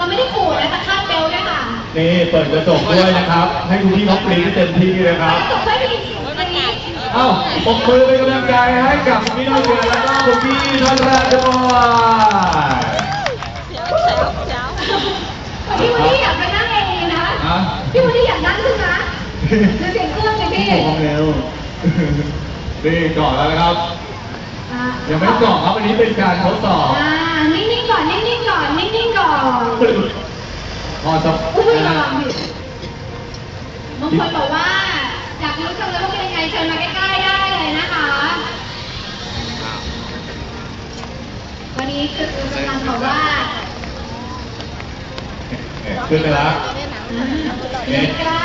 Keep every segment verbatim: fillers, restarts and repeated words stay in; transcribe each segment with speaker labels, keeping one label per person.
Speaker 1: เราไม่ได้ขู่นะแต่คาดเบลด้วยค่ะ
Speaker 2: นี่เปิดกระจกด้วยนะครับให้คุณพี่เขากรี๊ดเต็มที่เลยครับเอ้าปรบมือเป็นกำลังใจให้กับคุณพี่น้องเดือนแล้วก็คุณพี่ท่านแรกด้วย
Speaker 1: พี่วันนี้อยากไปนั่งเองนะพี่วันนี้อยากนั่งขึ้นนะจะเสียงเครื่องเลยพี่
Speaker 2: มองเร็วนี่ก่อนแล้วนะครับยังไม่ก่อนครับอันนี้เป็นการทดสอบ
Speaker 1: นิ่งๆก่อนนิ่งๆก่อนนิ่งๆก่อน
Speaker 2: พอจะ
Speaker 1: อุ้ยระวังดิบางคนบอกว่าอยากรู้จังเลยว่าเป็นยังไงเชิญมาใกล้ๆได้เลยนะคะวันนี้คือกำลังบอกว่า
Speaker 2: ขึ้นไปแล้ว
Speaker 1: ใกล้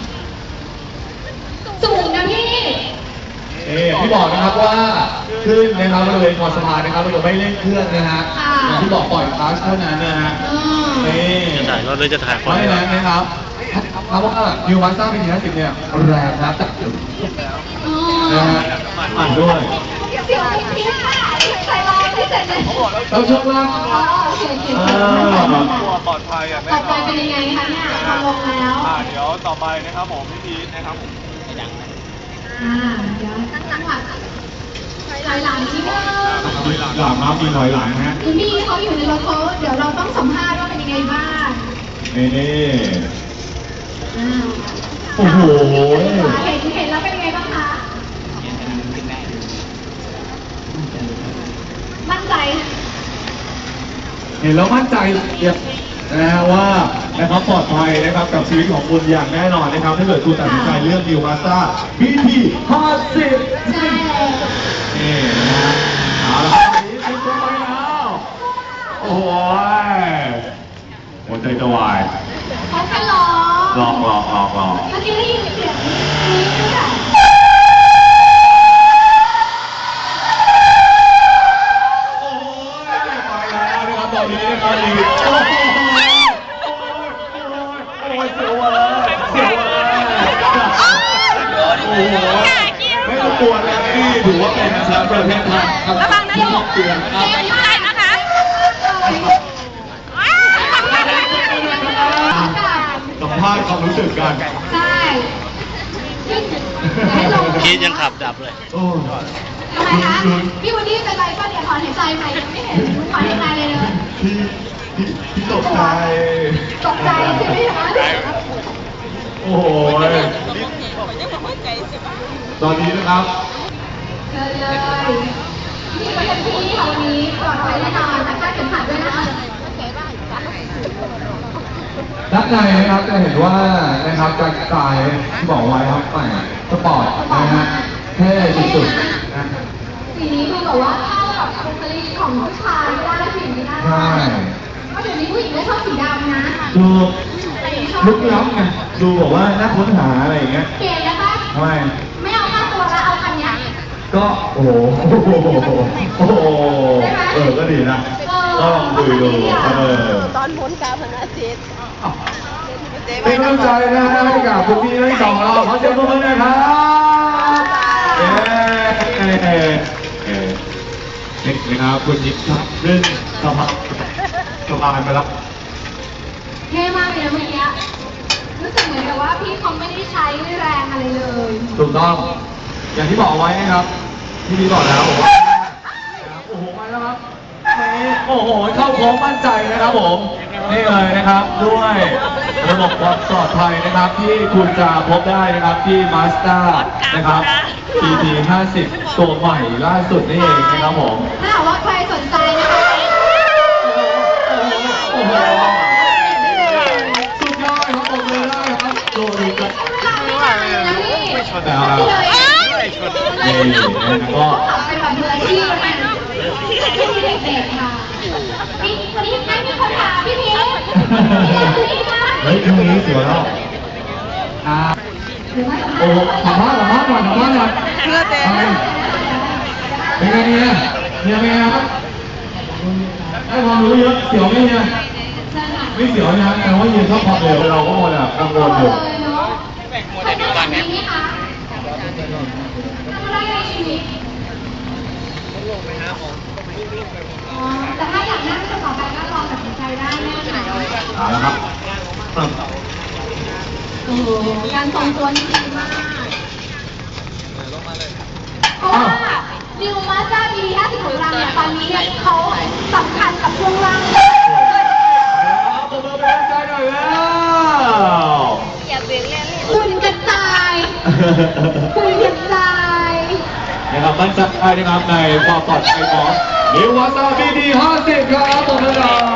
Speaker 1: สูงนะพี่
Speaker 2: เอ๊พี่บอกนะครับว่าขึ้นนะครับบริเวณคอสะพานนะครับเราจะไม่เล่นเครื่องนะฮะอย่างที่บอกปล่อยคลาสเท่านั้นนะฮะนี่
Speaker 3: จะถ่ายเราเลยจะถ่าย
Speaker 2: ไม่แรงนะครับเพราะว่ายูมาสต้าเป็นทีห้าสิบเนี่ยแรงนะจับจุดนะฮะอ่านด้วย
Speaker 1: เสียงพี่ค่ะใส่ลายไม่เสร็จเลย
Speaker 2: เราชกล่าง
Speaker 1: อ๋อโอเคโอเค
Speaker 4: ปลอดภัยอ่ะ
Speaker 1: ปลอดภัยเป็นยังไงคะเนี่ยพอลงแล้ว
Speaker 4: อ่าเดี๋ยวต่อไปนะครับผมพี่พีทนะครับผม
Speaker 1: อ่าเดี๋ยวตั้งจังหวะถอยหลังนิดนึง
Speaker 2: หลังมาปีถอยหลังฮะ
Speaker 1: คุณพี่เขาอยู่ในรถเขาเดี๋ยวเราต้องสัมภาษณ์ว่าเป็นยังไงบ้าง
Speaker 2: นี่นี่โอ้โห
Speaker 1: เห็นเห็นแล้วเป็นยังไงบ้างคะมั่นใจ
Speaker 2: เห็นแล้วมั่นใจนะฮะว่านะครับปลอดภัยนะครับกับชีวิตของคุณอย่างแน่นอนนะครับถ้าเกิดคุณตัดสินใจเลือกดิวมาสต้า บี ที ห้าสิบ
Speaker 1: ใช่เลย
Speaker 2: นี่นะฮะเอาละครับนี้คุณตัวไปแล้วโอ้ยหัวใจจะวาย
Speaker 1: เขาแค่รอ
Speaker 2: หลอกหลอกหลอกหลอก
Speaker 1: เมื่อกี้ได้ยินเสียงนี้ด้วย
Speaker 2: ตอนนี้นะครับดีโอ้โหโอ้ยเสียวเลยเสียวเลยโอ้โหไม่ต้องกลัวนะนี่ถือว่าเป็นแชมป์ประเทศไทยครับที่หกเดือนครับสัมภาษณ์ความรู้สึกกัน
Speaker 1: ใช่
Speaker 3: คิดยังขับดับเลย
Speaker 2: โอ้
Speaker 1: ทำไมคะพี่วันนี้เป็นไรก็เดี๋ยวถอนหายใจใหม่ไม่เห็นถอนหายใจเลยเลย
Speaker 2: พี่พี่พี่ตกใจ
Speaker 1: ตกใจใช่ไหมคะ
Speaker 2: โอ้โหตอนนี้นะครับ
Speaker 1: เชิญเลยนี่ก็เป็นที่ค่ะวันนี้ปลอดภัยแน่นอนแต่ค่าเข็มขัดด้วยนะคะ
Speaker 2: ด้านในนะครับจะเห็นว่านะครับการสไตล์ที่บอกไว้ครับแต่สปอร์ตนะฮะเท่สุดๆนะ
Speaker 1: สีนี้คือแบบว่าเข้ากับบุคลิกของผู้ชายได้สีนี้ได้
Speaker 2: ใช่
Speaker 1: เพราะเดี๋ยวนี้ผู้หญิงไม่ชอบสีดำนะ
Speaker 2: ดูลุกล้ำไงดูบอกว่าน่าค้นหาอะไรอย่างเงี้ย
Speaker 1: เปลี่ยนแล้วปะ
Speaker 2: ทำไม
Speaker 1: ไม่เอาค่าตัวแล้วเอาคันนี้
Speaker 2: ก็โอ้โหโอ้โหเออก็ดีนะก็ลองดูดูเออ
Speaker 5: ตอนพ้นกาพนาจิต
Speaker 2: เป็นกำลังใจนะให้กับคุณพี่ทั้งสองเราขอเสียงปรบมือหน่อยครับเย้นี่นะครับคุณยิปซับเรื่องสบายสบายไปแล้ว
Speaker 1: เท่มากเลยนะเมื่อกี้รู้สึกเหมือนกับว่าพี่เขาไม่ได้ใช้แรงอะไรเลย
Speaker 2: ถูกต้องอย่างที่บอกไว้นะครับที่พี่บอกแล้วบอกว่าโอ้โหมาแล้วครับโอ้โหเข้าโค้งมั่นใจนะครับผมนี่เลยนะครับด้วยระบบความปลอดภัยนะครับที่คุณจะพบได้นะครับที่ Mazda นะครับ บี ที ห้าสิบ ตัวใหม่ล่าสุดนี่เองนะครับผม
Speaker 1: ถ้าหากว่าใครสนใจนะคะ
Speaker 2: โอ้โหสุดยอดครับผมเลยได้ครับโดนกัน
Speaker 1: ไม่ชนแล้ว
Speaker 2: ไม่ชนนี่นะครับก็
Speaker 1: เป็นแบบมืออาชีพนะที่มีเด็กๆค่ะพี่วันนี้ไม่มีคนถามพี่พีช
Speaker 2: เฮ้ยตรงนี้สวยแล้วอ่าโอ้สัมภาษณ์สัมภาษณ์หน่อยสัมภาษณ์หน่อย
Speaker 5: เพื่อเจ๊
Speaker 2: เป็นไงเนี่ยเนี่ยเป็นไงครับได้ความรู้เยอะเสียวไหมเนี่ยไม่เสียวนะแต่ว่ายืนเข้าพอเร็วเราก็หมดอ่ะกังวลอยู่
Speaker 1: ใครต้องแบบนี้คะทำอะไรในชีวิตแต่ถ้าอยากนั่งต่อไปก็ลองตัดสินใจได้แน่ค่ะ
Speaker 2: ครับ
Speaker 1: โอ้โหการทรงตัวนี่ดีมากเพราะว่านิวมาสด้าบีห้าสิบของเราเนี่ยตอนนี้เนี่ยเขาสำคัญกับช่วงล่าง
Speaker 2: ปรบมือเป็นกำลังใจหน่อยแล้ว
Speaker 5: อย่าเบี่ยงเล่น
Speaker 1: คุณกระจายคุณกระจาย
Speaker 2: นะครับมั่นใจนะครับในความปลอดภัยของนิววาซาบีดีห้าสิบครับผมนะ